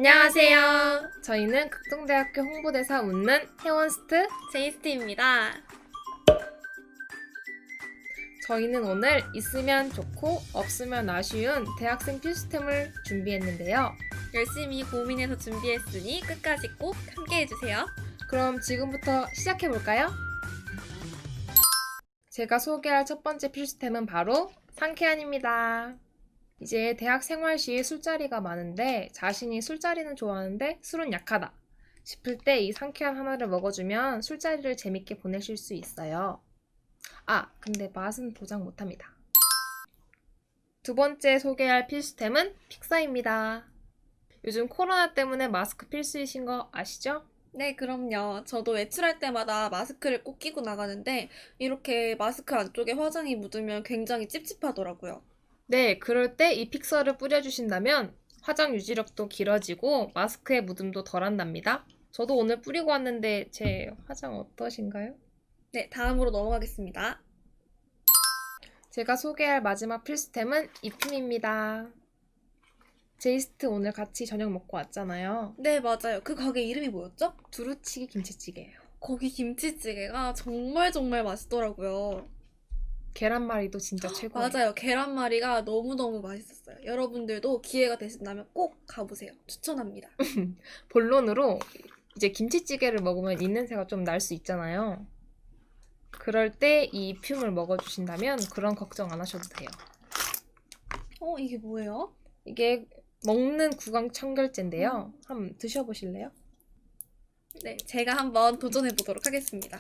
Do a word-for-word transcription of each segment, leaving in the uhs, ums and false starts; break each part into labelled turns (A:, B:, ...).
A: 안녕하세요. 저희는 극동대학교 홍보대사 웃는 혜원스트
B: 제이스티입니다.
A: 저희는 오늘 있으면 좋고 없으면 아쉬운 대학생 필수템을 준비했는데요.
B: 열심히 고민해서 준비했으니 끝까지 꼭 함께해주세요.
A: 그럼 지금부터 시작해볼까요? 제가 소개할 첫 번째 필수템은 바로 상쾌한입니다. 이제 대학 생활 시에 술자리가 많은데 자신이 술자리는 좋아하는데 술은 약하다 싶을 때 이 상쾌한 하나를 먹어주면 술자리를 재밌게 보내실 수 있어요. 아, 근데 맛은 보장 못합니다. 두 번째 소개할 필수템은 픽사입니다. 요즘 코로나 때문에 마스크 필수이신 거 아시죠?
B: 네, 그럼요. 저도 외출할 때마다 마스크를 꼭 끼고 나가는데 이렇게 마스크 안쪽에 화장이 묻으면 굉장히 찝찝하더라고요.
A: 네, 그럴 때 이 픽서를 뿌려주신다면 화장 유지력도 길어지고 마스크의 묻음도 덜한답니다. 저도 오늘 뿌리고 왔는데 제 화장 어떠신가요?
B: 네, 다음으로 넘어가겠습니다.
A: 제가 소개할 마지막 필수템은 이품입니다. 제이스트 오늘 같이 저녁 먹고 왔잖아요.
B: 네, 맞아요. 그 가게 이름이 뭐였죠?
A: 두루치기 김치찌개예요.
B: 거기 김치찌개가 정말 정말 맛있더라고요.
A: 계란말이도 진짜 최고예요.
B: 맞아요. 계란말이가 너무너무 맛있었어요. 여러분들도 기회가 되신다면 꼭 가보세요. 추천합니다.
A: 본론으로 이제 김치찌개를 먹으면 입냄새가 좀 날 수 있잖아요. 그럴 때 이 이품을 먹어주신다면 그런 걱정 안 하셔도 돼요.
B: 어, 이게 뭐예요?
A: 이게 먹는 구강 청결제인데요. 한번 드셔보실래요?
B: 네, 제가 한번 도전해보도록 하겠습니다.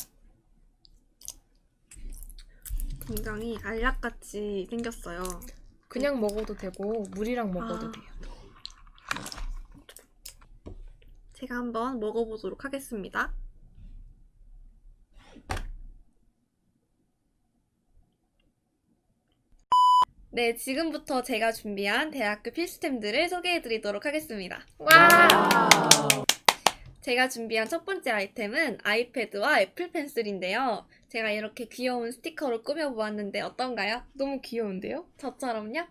B: 굉장히 알약같이 생겼어요.
A: 그냥 먹어도 되고 물이랑 먹어도
B: 아.
A: 돼요.
B: 제가 한번 먹어보도록 하겠습니다. 네, 지금부터 제가 준비한 대학교 필수템들을 소개해드리도록 하겠습니다.
A: 와!
B: 제가 준비한 첫 번째 아이템은 아이패드와 애플 펜슬인데요. 제가 이렇게 귀여운 스티커로 꾸며보았는데 어떤가요?
A: 너무 귀여운데요?
B: 저처럼요?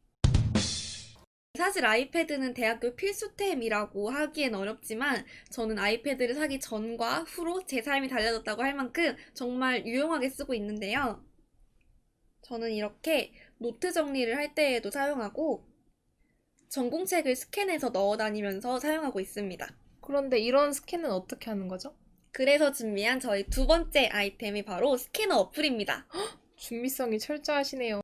B: 사실 아이패드는 대학교 필수템이라고 하기엔 어렵지만 저는 아이패드를 사기 전과 후로 제 삶이 달라졌다고 할 만큼 정말 유용하게 쓰고 있는데요. 저는 이렇게 노트 정리를 할 때에도 사용하고 전공책을 스캔해서 넣어 다니면서 사용하고 있습니다.
A: 그런데 이런 스캔은 어떻게 하는 거죠?
B: 그래서 준비한 저희 두 번째 아이템이 바로 스캐너 어플입니다.
A: 준비성이 철저하시네요.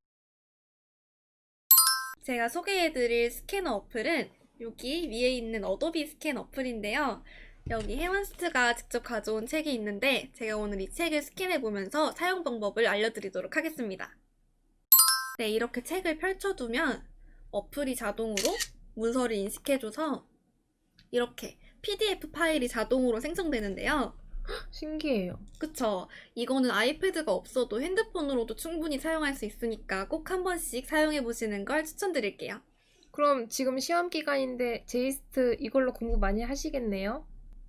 B: 제가 소개해드릴 스캐너 어플은 여기 위에 있는 어도비 스캔 어플인데요. 여기 혜원스트가 직접 가져온 책이 있는데 제가 오늘 이 책을 스캔해보면서 사용 방법을 알려드리도록 하겠습니다. 네, 이렇게 책을 펼쳐두면 어플이 자동으로 문서를 인식해줘서 이렇게 피디에프 파일이 자동으로 생성되는데요.
A: 신기해요.
B: 그쵸? 이거는 아이패드가 없어도 핸드폰으로도 충분히 사용할 수 있으니까 꼭 한 번씩 사용해보시는 걸 추천드릴게요.
A: 그럼 지금 시험 기간인데 제이스트 이걸로 공부 많이 하시겠네요?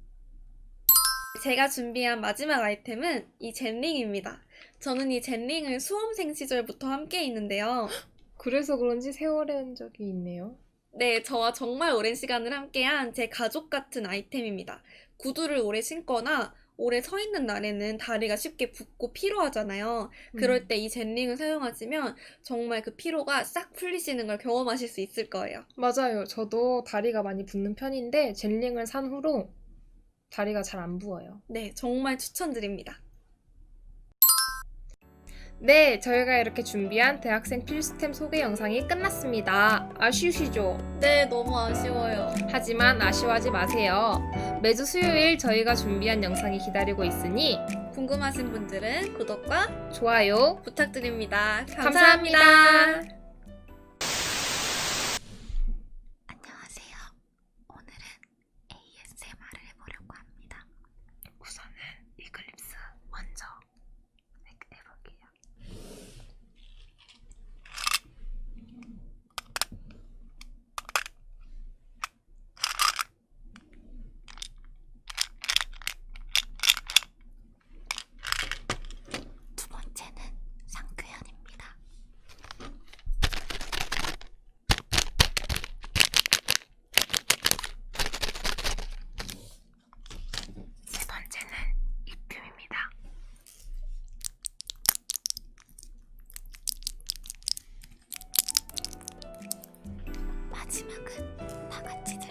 B: 제가 준비한 마지막 아이템은 이 젠링입니다. 저는 이 젠링을 수험생 시절부터 함께 있는데요.
A: 그래서 그런지 세월의 흔적이 있네요.
B: 네, 저와 정말 오랜 시간을 함께한 제 가족 같은 아이템입니다. 구두를 오래 신거나 오래 서 있는 날에는 다리가 쉽게 붓고 피로하잖아요. 그럴
A: 음.
B: 때 이 젠링을 사용하시면 정말 그 피로가 싹 풀리시는 걸 경험하실 수 있을 거예요.
A: 맞아요. 저도 다리가 많이 붓는 편인데 젤링을 산 후로 다리가 잘 안 부어요.
B: 네, 정말 추천드립니다.
A: 네, 저희가 이렇게 준비한 대학생 필수템 소개 영상이 끝났습니다. 아쉬우시죠?
B: 네, 너무 아쉬워요.
A: 하지만 아쉬워하지 마세요. 매주 수요일 저희가 준비한 영상이 기다리고 있으니
B: 궁금하신 분들은 구독과
A: 좋아요
B: 부탁드립니다.
A: 감사합니다.
B: 감사합니다.
C: 안녕하세요. 오늘은 에이에스엠알을 해보려고 합니다.
A: 우선은 이클립스 먼저 해볼게요.
C: 두 번째는 상쾌한입니다. 마지막은 다 같이